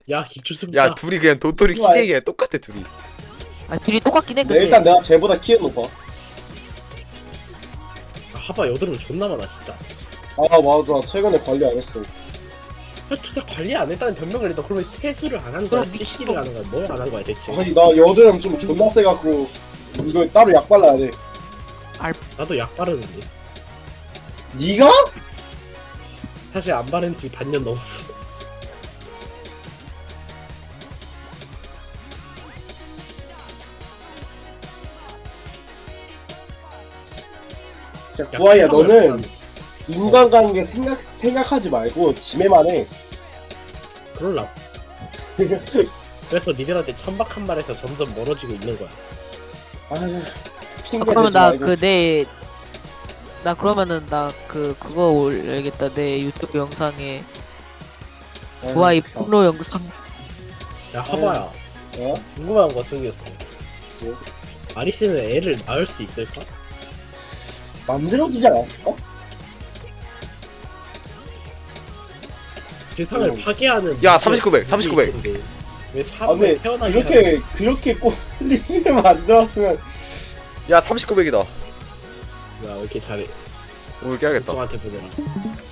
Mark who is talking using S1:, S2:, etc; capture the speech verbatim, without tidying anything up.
S1: 야 기출승자.
S2: 야 둘이 그냥 도토리 키재기야. 똑같아 둘이.
S3: 아 둘이 똑같긴 해
S4: 네,
S3: 근데.
S4: 일단 내가 쟤보다 키는 높아.
S1: 아, 하바 여드름 존나 많아 진짜.
S4: 아 맞아, 최근에 관리 안 했어.
S1: 야, 진짜 관리 안 했다는 변명을 해도 그러면 세수를 안 한 거야? 씻기를 안 한 거야? 뭘 안 한 거야 대체?
S4: 아니 나 여드름 좀 존나 세갖고 이거 따로 약 발라야 돼.
S1: 나도 약 바르는데
S4: 니가?
S1: 사실 안 바른 지 반년 넘었어.
S4: 진짜
S1: 야,
S4: 구아야
S1: 피부가
S4: 너는
S1: 약간-
S4: 인간관계 생각 생각하지 말고 지매만 해.
S1: 그럴라. 그래서 니들한테 천박한 말에서 점점 멀어지고 있는 거야.
S4: 아유,
S3: 아,
S4: 핑계
S3: 그러면
S4: 대지
S3: 나
S4: 말고.
S3: 그 내 나 그러면은 나 그 그거 올려야겠다 내 유튜브 영상에
S4: 아유,
S3: 부하이
S4: 참.
S3: 폭로 영상.
S1: 야 하바야
S4: 어?
S1: 궁금한 거 생겼어.
S4: 뭐?
S1: 아리스는 애를 낳을 수 있을까?
S4: 만들어주지 않았을까?
S1: 세상을
S4: 음.
S1: 파괴하는
S2: 야,
S1: 무슨
S2: 삼십구백, 삼십구백.
S1: 일이 있는데 왜
S4: 아
S1: 사람을
S4: 근데
S1: 태어나게
S4: 그렇게 그렇게 꼴리를 만들었으면
S2: 야 삼십구백이다.
S1: 하는- 야, 왜 이렇게 잘해?
S2: 오늘 깨야겠다.
S1: 동한테 보내라.